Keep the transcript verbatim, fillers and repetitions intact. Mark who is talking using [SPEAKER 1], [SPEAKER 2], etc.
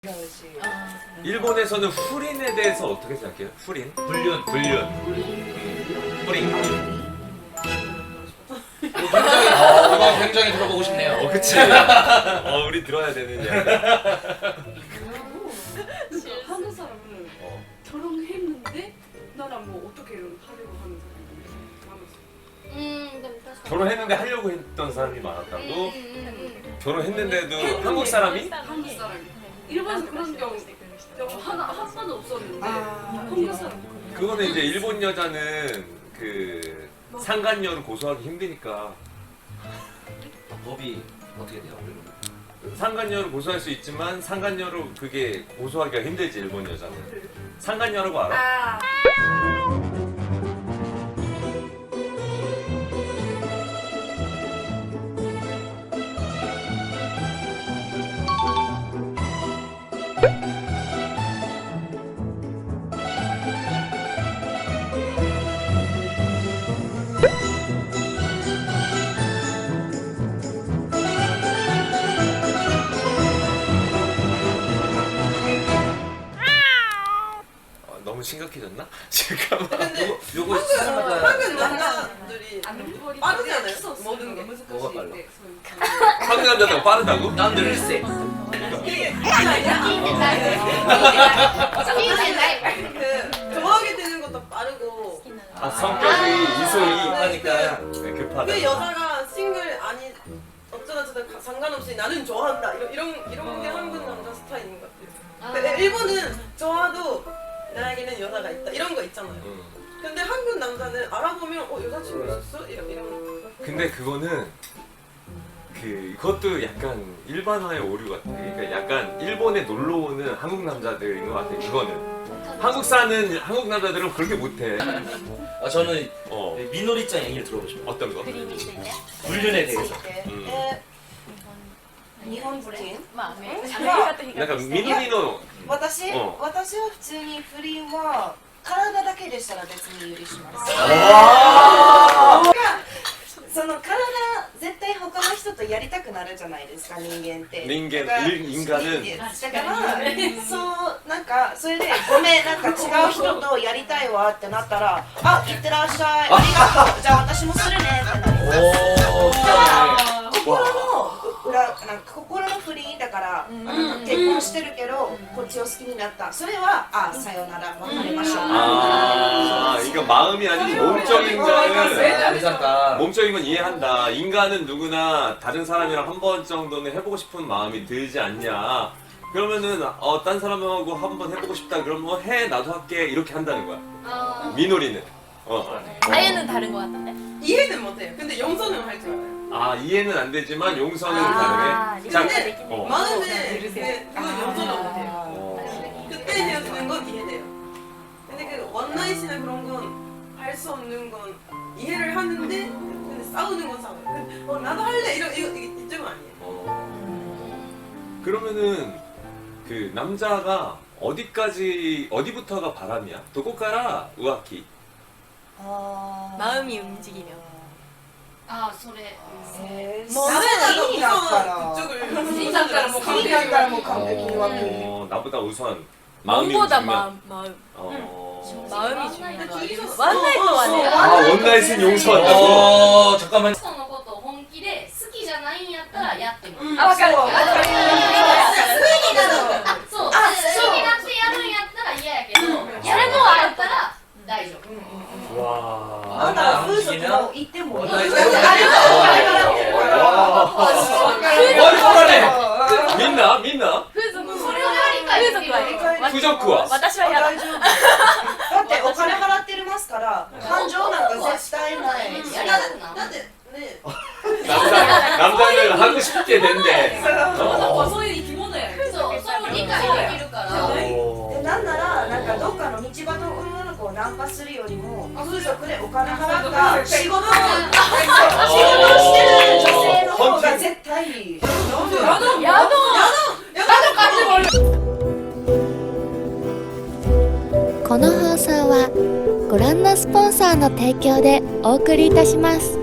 [SPEAKER 1] 일본에서는 후린에 대해서 어떻게 생각해요? 후린?
[SPEAKER 2] 불륜.
[SPEAKER 1] 불륜.
[SPEAKER 2] 음. 뿌링. 굉장히, 어, 이거 굉장히 들어보고 싶네요.
[SPEAKER 1] 어, 그치. 어, 우리 들어야 되는 이야기.
[SPEAKER 3] 한국 사람은
[SPEAKER 1] 어.
[SPEAKER 3] 결혼했는데 나랑 뭐 어떻게 하려고 하는 사람이 많았어.
[SPEAKER 4] 음, 근데確かに
[SPEAKER 1] 결혼했는데 하려고 했던 사람이 많았다고?
[SPEAKER 4] 음,
[SPEAKER 1] 결혼했는데도 한국 사람이?
[SPEAKER 3] 한국 사람이. 일본에서 그런 경우 경우 하나 한 번도 없었는데 한국 사람.
[SPEAKER 1] 그거는 이제 일본 여자는 그 상간녀를 고소하기 힘드니까
[SPEAKER 2] 법이 어떻게 돼요?
[SPEAKER 1] 상간녀를 고소할 수 있지만 상간녀로 그게 고소하기가 힘들지 일본 여자는. 상간녀라고 알아? 어, 너무 심각해졌나? 잠깐만.
[SPEAKER 2] 요거, 요거
[SPEAKER 5] 한국
[SPEAKER 2] 시작하자.
[SPEAKER 5] 한국 남자들이 빠르잖아요. 모든 게.
[SPEAKER 2] 뭐가 빨라?
[SPEAKER 1] 한국 남자가 빠르다고?
[SPEAKER 2] 난 늘세.
[SPEAKER 5] 이게 아니야. 그 좋아하게 되는 것도 빠르고.
[SPEAKER 1] 아 성격이 이소이
[SPEAKER 2] 하니까.
[SPEAKER 1] 네, 급하다.
[SPEAKER 5] 그 여자가 싱글 아니 어쩌다 저쩌다 상관없이 나는 좋아한다. 이런 이런 이런 게 한국 남자 스타일인 것 같아요. 근데 일본은 좋아도 나에게는 여자가 있다. 이런 거 있잖아요.
[SPEAKER 1] 응.
[SPEAKER 5] 근데 한국 남자는 알아보면 어 여자친구 있었어? 이런 이런.
[SPEAKER 1] 근데 그거는 그 그것도 약간 일반화의 오류 같아. 그러니까 약간 일본에 놀러 오는 한국 남자들인 것 같아. 그거는 한국 사는 한국 남자들은 그렇게 못해.
[SPEAKER 2] 아, 저는
[SPEAKER 1] 어
[SPEAKER 2] 미노리짱 얘기를 들어보고 싶어요.
[SPEAKER 1] 어떤 거?
[SPEAKER 4] 不倫について
[SPEAKER 2] 불륜에 대해서.
[SPEAKER 1] 음.
[SPEAKER 5] え日本人
[SPEAKER 4] まあアメリカアメリカと比
[SPEAKER 1] 약간
[SPEAKER 4] 較して
[SPEAKER 1] 미노리노
[SPEAKER 6] 私、
[SPEAKER 1] うん
[SPEAKER 6] 私は普通に不倫は体だけでしたら別に許しますその体絶対他の人とやりたくなるじゃないですか人間って
[SPEAKER 1] 人間
[SPEAKER 6] だから
[SPEAKER 1] 일- 인간은
[SPEAKER 6] だからそうなんかそれでごめんなんか違う人とやりたいわってなったらあいってらっしゃいありがとうじゃあ私もするねってなります
[SPEAKER 2] 오,
[SPEAKER 6] 心の裏なんか心の不倫だから、結婚してるけど、こっちを好きになったそれはあさよなら別れましょう
[SPEAKER 1] 아 이거 마음이 아니고 몸적인 거는
[SPEAKER 2] 괜찮다.
[SPEAKER 1] 몸적인 건 이해한다. 인간은 누구나 다른 사람이랑 한 번 정도는 해보고 싶은 마음이 들지 않냐. 그러면은 어, 딴 사람하고 한 번 해보고 싶다. 그럼 뭐 해 나도 할게 이렇게 한다는 거야.
[SPEAKER 4] あ
[SPEAKER 1] 미노리는. 어.
[SPEAKER 4] 아예는 다른 거 같던데?
[SPEAKER 5] 이해는 못해요. 근데 용서는 할 줄 알아요.
[SPEAKER 1] 아 이해는 안 되지만 용서는
[SPEAKER 4] 아,
[SPEAKER 1] 가능해. 자,
[SPEAKER 5] 근데
[SPEAKER 1] 어.
[SPEAKER 5] 마음에 네, 그건 용서는 못해요.
[SPEAKER 1] 어.
[SPEAKER 5] 그때 헤어지는 건 이해돼요. 근데 그 원나잇이나 그런 건 할 수 없는 건 이해를 하는데 근데 싸우는 건 싸워요. 근데 어 나도 할래 이런 이거 이게 이쪽은 아니에요.
[SPEAKER 1] 어. 그러면은 그 남자가 어디까지 어디부터가 바람이야? 도코카라 우아키.
[SPEAKER 4] 마음이 움직이면
[SPEAKER 3] ああそれ。
[SPEAKER 6] えー、
[SPEAKER 5] もう
[SPEAKER 6] 好きになったら
[SPEAKER 5] 그쪽을
[SPEAKER 3] 好きだったらもう
[SPEAKER 6] 好
[SPEAKER 3] 完
[SPEAKER 6] き
[SPEAKER 3] 璧
[SPEAKER 6] になったらもう完璧に分ける
[SPEAKER 1] 어, 나보다 우선 마음이
[SPEAKER 4] 몸보다
[SPEAKER 1] 움직이면.
[SPEAKER 4] 마음, 마음
[SPEAKER 1] 어.
[SPEAKER 4] 마음이 중요한 거 아니에요?
[SPEAKER 5] 둘이서-
[SPEAKER 4] 원나잇도 아니야?
[SPEAKER 1] 아 원나잇은 용서한다고?
[SPEAKER 2] 어, 잠깐만.
[SPEAKER 3] 人のことを本気で好きじゃないんやったらやってもいい。
[SPEAKER 4] 아, 맞아.
[SPEAKER 3] そう。好きになって
[SPEAKER 4] あ、
[SPEAKER 3] やるんやったら嫌やけど、やるのはやったら大丈夫。
[SPEAKER 1] 와.
[SPEAKER 6] あんたら風俗も行ってもいい
[SPEAKER 2] 원나잇.
[SPEAKER 1] 와. 민나 민나
[SPEAKER 4] 風俗
[SPEAKER 3] それは理解できる。
[SPEAKER 4] 風俗は
[SPEAKER 1] 부적구와
[SPEAKER 4] 私はやだ
[SPEAKER 6] 大丈夫だってお金払ってますから感情なんか絶対ない
[SPEAKER 3] やりたくな
[SPEAKER 5] だってね
[SPEAKER 1] 남자 남자는 하고 싶게 된대.
[SPEAKER 3] そうそういう生き物やん。そう、それを理解できるから。
[SPEAKER 1] 어.
[SPEAKER 6] でなんならなんかどっかの道端の女の子をナンパするよりも風俗でお金払った仕事を仕事をしてる女性の方が絶対いい
[SPEAKER 4] 야동! 야동까지 걸려!
[SPEAKER 7] この放送はご覧のスポンサーの提供でお送りいたします。